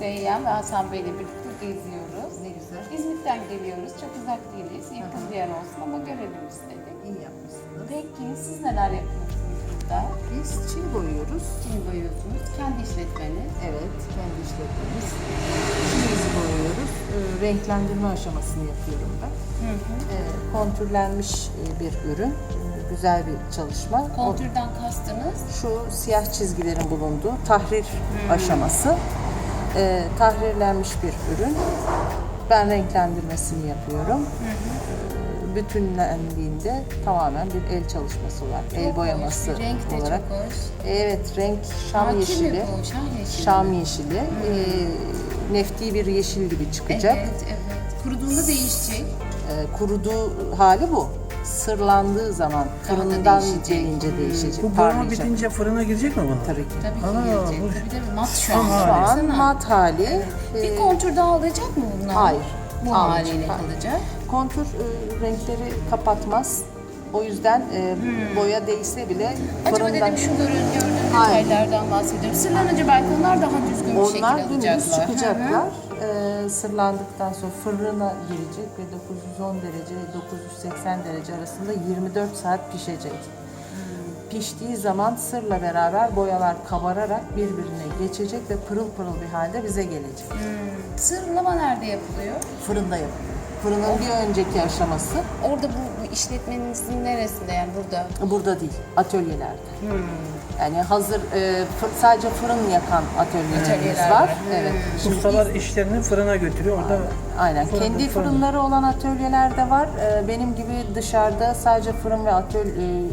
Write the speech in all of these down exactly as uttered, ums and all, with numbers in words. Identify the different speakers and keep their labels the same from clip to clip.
Speaker 1: Seyyan ve Hasan Bey'le birlikte geziyoruz.
Speaker 2: Ne güzel.
Speaker 1: İzmit'ten geliyoruz. Çok uzak değiliz. Yakın bir yer olsun ama görelim istedik.
Speaker 2: İyi yapmışsınız.
Speaker 1: Peki siz neler yapıyorsunuz burada?
Speaker 2: Biz çim boyuyoruz.
Speaker 1: Çim boyuyorsunuz. Kendi işletmeniz.
Speaker 2: Evet, kendi işletmemiz. Çimimizi boyuyoruz. Ee, renklendirme aşamasını yapıyorum ben.
Speaker 1: Hı hı.
Speaker 2: Ee, kontürlenmiş e, bir ürün. Ee, güzel bir çalışma.
Speaker 1: Kontürden kastınız?
Speaker 2: Şu siyah çizgilerin bulunduğu tahrir aşaması. Ee, tahrirlenmiş bir ürün. Ben renklendirmesini yapıyorum. Ee, bütünlendiğinde tamamen bir el çalışması var.
Speaker 1: Çok
Speaker 2: el boyaması
Speaker 1: hoş. Renk de
Speaker 2: olarak.
Speaker 1: çok hoş.
Speaker 2: Evet, renk şam
Speaker 1: Hakim mi
Speaker 2: yeşili.
Speaker 1: bu? Şam yeşili.
Speaker 2: Şam yeşili. Ee, nefti bir yeşil gibi çıkacak.
Speaker 1: Evet, evet. Kuruduğunda değişecek.
Speaker 2: Ee, kuruduğu hali bu. Sırlandığı zaman
Speaker 1: Daha da
Speaker 2: fırından
Speaker 1: değişecek.
Speaker 2: gelince değişecek.
Speaker 3: Bu boyama
Speaker 2: parlayacak.
Speaker 3: bitince fırına girecek mi bu?
Speaker 2: Tabii ki.
Speaker 1: Tabii ki
Speaker 3: Aa,
Speaker 1: gelecek.
Speaker 3: bu-
Speaker 1: Tabii tabii. Mat şu
Speaker 3: Tam
Speaker 1: an.
Speaker 3: hali.
Speaker 2: Şu an
Speaker 1: Baksana.
Speaker 2: mat hali.
Speaker 1: Bir
Speaker 2: Ee,
Speaker 1: kontür daha alacak mı bunlar?
Speaker 2: Hayır,
Speaker 1: Bu
Speaker 2: almayacak,
Speaker 1: haliyle
Speaker 2: hayır.
Speaker 1: kalacak.
Speaker 2: Kontür e, renkleri kapatmaz. O yüzden e, boya değse bile
Speaker 1: Acaba
Speaker 2: fırından
Speaker 1: dedim şu görün, gördüğüm
Speaker 2: Hayır.
Speaker 1: detaylardan bahsediyorum. Sırlanınca belki onlar daha düzgün bir şekilde
Speaker 2: onlar
Speaker 1: alacaklar.
Speaker 2: dümdüz
Speaker 1: Hı hı.
Speaker 2: çıkacaklar. E, sırlandıktan sonra fırına girecek ve dokuz yüz on derece ile dokuz yüz seksen derece arasında yirmi dört saat pişecek. Piştiği zaman sırla beraber boyalar kabararak birbirine geçecek ve pırıl pırıl bir halde bize gelecek.
Speaker 1: Sırlama nerede yapılıyor?
Speaker 2: Fırında yapılıyor. Fırının bir önceki aşaması
Speaker 1: Orada bu, bu işletmenizin neresinde yani burada?
Speaker 2: burada değil, atölyelerde. Yani hazır e, fır- sadece fırın yakan atölyelerimiz
Speaker 1: Atölyeler
Speaker 2: var.
Speaker 1: var.
Speaker 2: Evet. Şimdi
Speaker 3: Ustalar işlerini fırına götürüyor. Orada
Speaker 2: aynen.
Speaker 3: fırın-
Speaker 2: Kendi
Speaker 3: fırın.
Speaker 2: fırınları olan atölyeler de var. E, benim gibi dışarıda sadece fırın ve atölye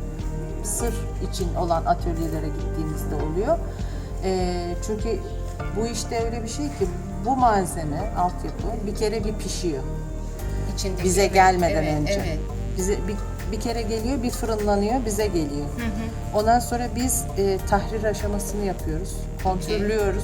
Speaker 2: sır için olan atölyelere gittiğimizde oluyor. E, çünkü bu işte öyle bir şey ki bu malzeme, altyapı bir kere bir pişiyor.
Speaker 1: İçindeki.
Speaker 2: Bize
Speaker 1: Evet,
Speaker 2: gelmeden
Speaker 1: evet,
Speaker 2: önce.
Speaker 1: Evet.
Speaker 2: Bize bir, bir kere geliyor, bir fırınlanıyor, bize geliyor. Ondan sonra biz e, tahrir aşamasını yapıyoruz, kontürlüyoruz,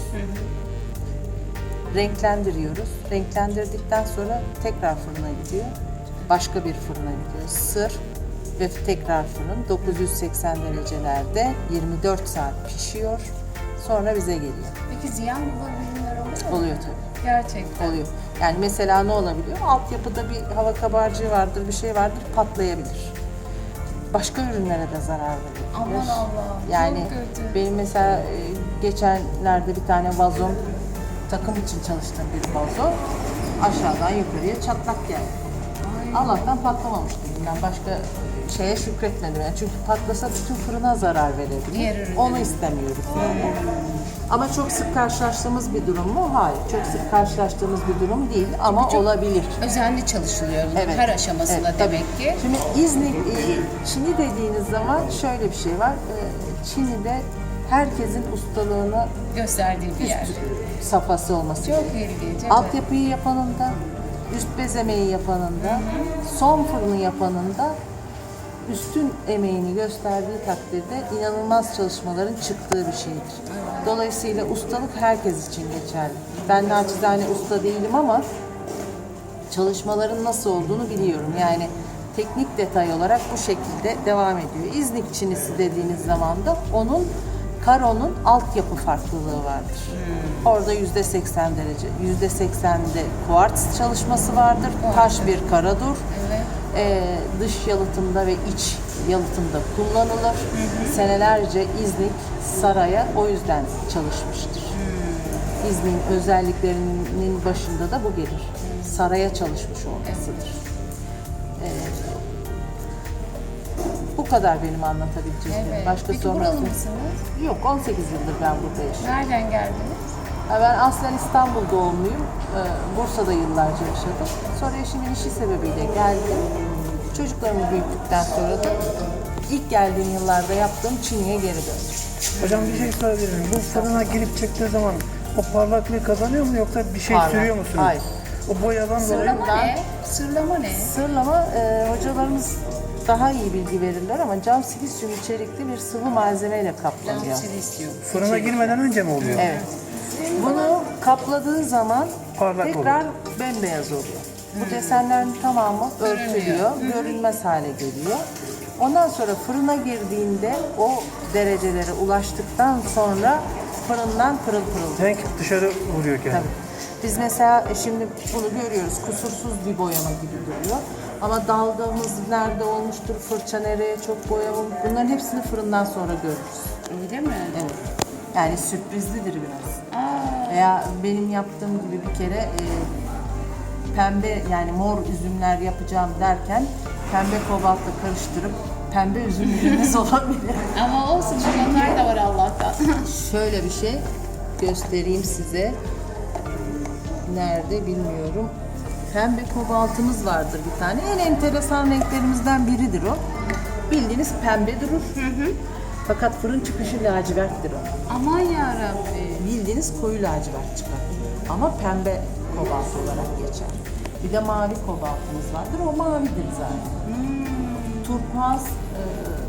Speaker 2: renklendiriyoruz. Renklendirdikten sonra tekrar fırına gidiyor, başka bir fırına gidiyor. Sır ve tekrar fırın dokuz yüz seksen derecelerde yirmi dört saat pişiyor. Sonra bize geliyor.
Speaker 1: Peki ziyan olan ürünler oluyor mu?
Speaker 2: Oluyor tabii.
Speaker 1: Gerçekten.
Speaker 2: Oluyor. Yani mesela ne olabiliyor? Altyapıda bir hava kabarcığı vardır, bir şey vardır, patlayabilir. Başka ürünlere de zarar verebilir.
Speaker 1: Aman Allah'ım,
Speaker 2: Yani
Speaker 1: çok kötü.
Speaker 2: benim mesela e, geçenlerde bir tane vazom, takım için çalıştığım bir vazo aşağıdan yukarıya çatlak geldi. Allah'tan patlamamıştı. Yani başka şeye şükretmedim. Yani çünkü patlasa bütün fırına zarar
Speaker 1: Diğer
Speaker 2: verebilir.
Speaker 1: ürünlere.
Speaker 2: Onu istemiyoruz. Yani. Ama çok sık karşılaştığımız bir durum mu? Hayır. Çok sık karşılaştığımız bir durum değil ama
Speaker 1: çok
Speaker 2: olabilir.
Speaker 1: Özenli çalışılıyor bunun
Speaker 2: Evet.
Speaker 1: her aşamasında
Speaker 2: Evet,
Speaker 1: demek
Speaker 2: tabii.
Speaker 1: ki.
Speaker 2: Şimdi İznik, e, Çin'i dediğiniz zaman şöyle bir şey var. E, Çin'de herkesin ustalığını
Speaker 1: Gösterdiği bir yer.
Speaker 2: safhası olması
Speaker 1: Çok
Speaker 2: gerekiyor.
Speaker 1: ilginç. Evet.
Speaker 2: Altyapıyı yapanın da, üst bez emeği yapanın da, son fırını yapanın da üstün emeğini gösterdiği takdirde inanılmaz çalışmaların çıktığı bir şeydir. Dolayısıyla ustalık herkes için geçerli. Ben naçizane usta değilim ama çalışmaların nasıl olduğunu biliyorum. Yani teknik detay olarak bu şekilde devam ediyor. İznik çinisi dediğiniz zaman da onun karonun altyapı farklılığı vardır. Orada yüzde seksen derece, yüzde seksende kuartz çalışması vardır. Taş bir karadur.
Speaker 1: Evet.
Speaker 2: Ee, dış yalıtımda ve iç yalıtımda kullanılır. Senelerce İznik saraya o yüzden çalışmıştır. İznik'in özelliklerinin başında da bu gelir. Saraya çalışmış olmasıdır. Ee, bu kadar benim anlatabileceğim.
Speaker 1: Evet.
Speaker 2: Başka
Speaker 1: Peki
Speaker 2: sorunuz
Speaker 1: buralı
Speaker 2: yok.
Speaker 1: mısınız?
Speaker 2: Yok, on sekiz yıldır ben burada yaşıyorum.
Speaker 1: Nereden geldiniz?
Speaker 2: Ha, Ben aslen İstanbul doğumluyum. Ee, Bursa'da yıllarca yaşadım. Sonra eşimin işi sebebiyle geldim. Çocuklarımı büyüttükten sonra da ilk geldiğim yıllarda yaptığım Çin'e geri döndüm.
Speaker 3: hocam bir şey sorabilir miyim? Bu fırına girip çıktığı zaman o parlaklığı kazanıyor mu yoksa bir şey
Speaker 2: Parlak.
Speaker 3: sürüyor musunuz?
Speaker 2: Hayır.
Speaker 3: O boyadan dolayı
Speaker 1: Sırlama ne? Sırlama ne?
Speaker 2: Sırlama, e, hocalarımız daha iyi bilgi verirler ama cam silisyum içerikli bir sıvı malzemeyle kaplanıyor.
Speaker 1: Silisyum.
Speaker 3: fırına girmeden önce mi oluyor?
Speaker 2: Evet. Bunu kapladığı zaman
Speaker 3: Parlak
Speaker 2: tekrar bembeyaz oluyor. Bu desenlerin tamamı örtülüyor, görünmez hale geliyor. Ondan sonra fırına girdiğinde o derecelere ulaştıktan sonra fırından pırıl pırıl.
Speaker 3: Renk dışarı vuruyor kendini.
Speaker 2: Tabii. Biz mesela e, şimdi bunu görüyoruz, kusursuz bir boyama gibi duruyor. Ama dalgamız nerede olmuştur, fırça nereye çok boyamamış, bunların hepsini fırından sonra görürüz.
Speaker 1: Öyle mi?
Speaker 2: Evet. Yani sürprizlidir biraz.
Speaker 1: Aa,
Speaker 2: Veya benim yaptığım gibi bir kere e, pembe yani mor üzümler yapacağım derken pembe kobaltla karıştırıp pembe üzüm ürünümüz olabilir.
Speaker 1: ama olsun çünkü onlar da var Allah'tan.
Speaker 2: Şöyle bir şey göstereyim size. Nerede bilmiyorum. Pembe kobaltımız vardır bir tane. En enteresan renklerimizden biridir o. Bildiğiniz pembe durur. Fakat fırın çıkışı laciverttir o.
Speaker 1: Aman yarabbim.
Speaker 2: Bildiğiniz koyu lacivert çıkar. Ama pembe kobalt olarak geçer. Bir de mavi kobaltımız vardır. O mavidir zaten. Turkuaz e,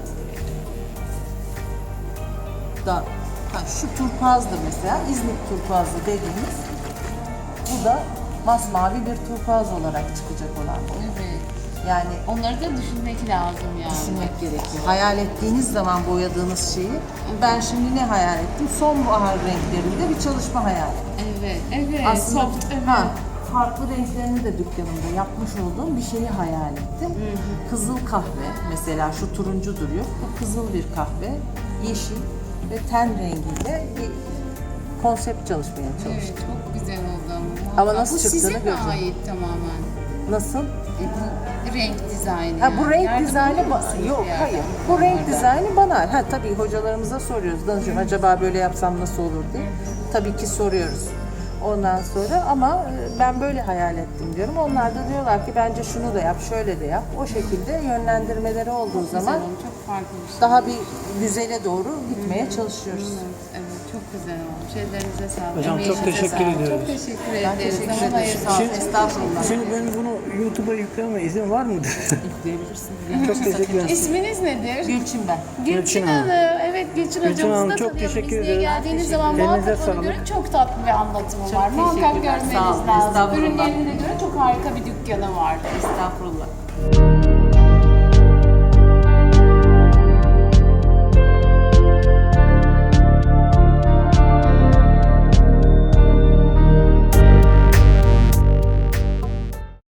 Speaker 2: da ha, şu turkuazdır mesela. İzmit turkuazı dediğimiz. Bu da masmavi bir turkuaz olarak çıkacak olan bu.
Speaker 1: Evet.
Speaker 2: Yani
Speaker 1: Onları da düşünmek lazım yani.
Speaker 2: düşünmek gerekiyor. Hayal ettiğiniz zaman boyadığınız şeyi, ben şimdi ne hayal ettim? Sonbahar renklerinde bir çalışma hayal ettim.
Speaker 1: Evet, evet.
Speaker 2: Aslında
Speaker 1: soft, evet.
Speaker 2: ha, farklı renklerini de dükkanımda yapmış olduğum bir şeyi hayal ettim. Kızıl kahve mesela şu turuncu duruyor. Bu kızıl bir kahve, yeşil ve ten rengiyle bir konsept çalışmaya çalıştım.
Speaker 1: Evet, çok güzel oldu ama.
Speaker 2: Ama nasıl
Speaker 1: bu
Speaker 2: çıktığını
Speaker 1: size mi
Speaker 2: göreceğim.
Speaker 1: ait tamamen?
Speaker 2: Nasıl?
Speaker 1: E, bu renk dizaynı.
Speaker 2: Ha bu
Speaker 1: yani.
Speaker 2: renk
Speaker 1: Yardım
Speaker 2: dizaynı
Speaker 1: alıyor
Speaker 2: ba-
Speaker 1: musunuz
Speaker 2: yok
Speaker 1: bir yerden
Speaker 2: hayır. Bu renk
Speaker 1: onlardan?
Speaker 2: dizaynı bana. Ha tabii hocalarımıza soruyoruz. Danışıyorum acaba böyle yapsam nasıl olur diye. Tabii ki soruyoruz. Ondan sonra ama e, ben böyle hayal ettim diyorum. Onlar da diyorlar ki bence şunu da yap, şöyle de yap. O şekilde yönlendirmeleri olduğu
Speaker 1: Güzel
Speaker 2: zaman
Speaker 1: oldu, çok farklı bir şey.
Speaker 2: daha bir güzele doğru gitmeye çalışıyoruz.
Speaker 1: Evet, evet, çok güzel olmuş. Ellerinize sağlık.
Speaker 3: Hocam, çok
Speaker 1: Emeğinize
Speaker 3: teşekkür
Speaker 1: sağlık.
Speaker 3: ediyoruz.
Speaker 1: Çok teşekkür
Speaker 2: Ben
Speaker 1: ederiz.
Speaker 2: teşekkür
Speaker 1: Zaman
Speaker 2: ederim.
Speaker 1: ayırdınız.
Speaker 2: Sağ olun. Estağfurullah.
Speaker 3: Şimdi ben bunu YouTube'a yükleme izin var mıdır?
Speaker 2: Yükleyebilirsiniz.
Speaker 3: Çok teşekkür ederim.
Speaker 1: İsminiz nedir?
Speaker 2: Gülçin ben.
Speaker 1: Gülçin
Speaker 3: Gülçin
Speaker 1: Hanım.
Speaker 3: Hanım.
Speaker 1: Evet, Gülçin,
Speaker 3: Gülçin
Speaker 1: hocamızı
Speaker 3: Hanım,
Speaker 1: da
Speaker 3: çok
Speaker 1: tanıyorum.
Speaker 3: teşekkür
Speaker 1: İzmir'e
Speaker 3: ederim.
Speaker 1: geldiğiniz
Speaker 2: Teşekkür
Speaker 1: zaman
Speaker 3: ederim.
Speaker 1: muhakkak
Speaker 3: Elinize
Speaker 1: onu
Speaker 3: sağlık.
Speaker 1: görün. Çok tatlı bir anlatımı
Speaker 2: Çok
Speaker 1: var. Muhakkak
Speaker 2: teşekkürler.
Speaker 1: görmeniz
Speaker 2: Sağ olun.
Speaker 1: lazım.
Speaker 2: Estağfurullah.
Speaker 1: Ürünlerine göre çok harika bir dükkanı var.
Speaker 2: Estağfurullah.